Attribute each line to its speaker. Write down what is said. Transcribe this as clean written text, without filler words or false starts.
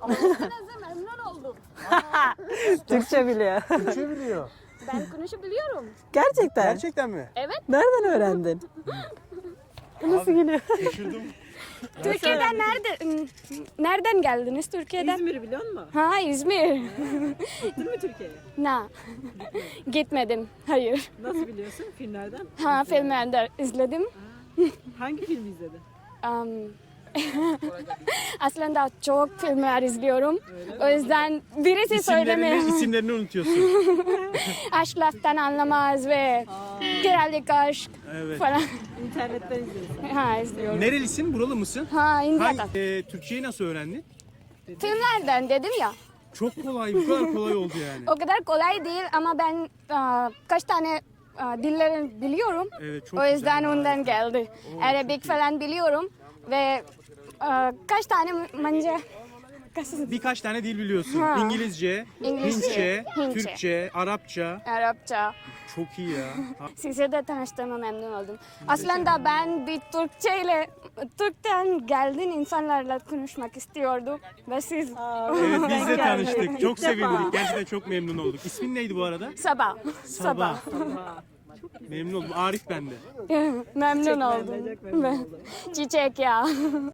Speaker 1: Size memnun oldum.
Speaker 2: Türkçe biliyor.
Speaker 3: Türkçe biliyor.
Speaker 1: Ben konuşabiliyorum.
Speaker 2: Gerçekten.
Speaker 3: Gerçekten mi?
Speaker 1: Evet.
Speaker 2: Nereden öğrendin? Nasıl geliyor?
Speaker 3: Şaşırdım.
Speaker 1: Türkiye'den nereden geldiniz Türkiye'den?
Speaker 2: İzmir'i biliyor musun?
Speaker 1: Ha İzmir.
Speaker 2: Gittin mi Türkiye'ye?
Speaker 1: Na. Gitmedim. Hayır.
Speaker 2: Nasıl biliyorsun? Filmlerden?
Speaker 1: Ha filmlerde izledim.
Speaker 2: Hangi filmi izledin?
Speaker 1: Um, aslında çok filmler izliyorum. O yüzden birisi söyleme.
Speaker 3: İsimlerini unutuyorsun.
Speaker 1: Aşk laftan anlamaz ve Krallık aşk
Speaker 3: Evet.
Speaker 1: falan.
Speaker 2: İnternetten izliyorsun.
Speaker 1: Ha izliyorum.
Speaker 3: Nerelisin? Buralı mısın?
Speaker 1: Ha İndia'dan.
Speaker 3: Türkçeyi nasıl öğrendin?
Speaker 1: Filmlerden dedim ya.
Speaker 3: Çok kolay, bu kadar kolay oldu yani.
Speaker 1: O kadar kolay değil ama ben kaç tane dillerini biliyorum.
Speaker 3: Evet, çok
Speaker 1: O yüzden
Speaker 3: güzel.
Speaker 1: ondan geldi. Arabik falan biliyorum ve kaç tane bence
Speaker 3: Birkaç tane dil biliyorsun.
Speaker 1: Ha.
Speaker 3: İngilizce,
Speaker 1: İngilizce, Hintçe.
Speaker 3: Türkçe, Arapça.
Speaker 1: Arapça.
Speaker 3: Çok iyi ya.
Speaker 1: Size de tanıştığıma memnun oldum. Aslında ben bir Türk'ten geldin insanlarla konuşmak istiyordum ve siz
Speaker 3: Evet, biz de
Speaker 2: geldik.
Speaker 3: tanıştık. Çok
Speaker 2: İlk defa.
Speaker 3: sevindik. Gerçekten çok memnun olduk. İsmin neydi bu arada?
Speaker 1: sabah.
Speaker 3: Sabah. Memnun oldum. Arif ben de.
Speaker 1: Memnun oldum.
Speaker 2: Çok memnun oldum.
Speaker 1: Çiçek ya.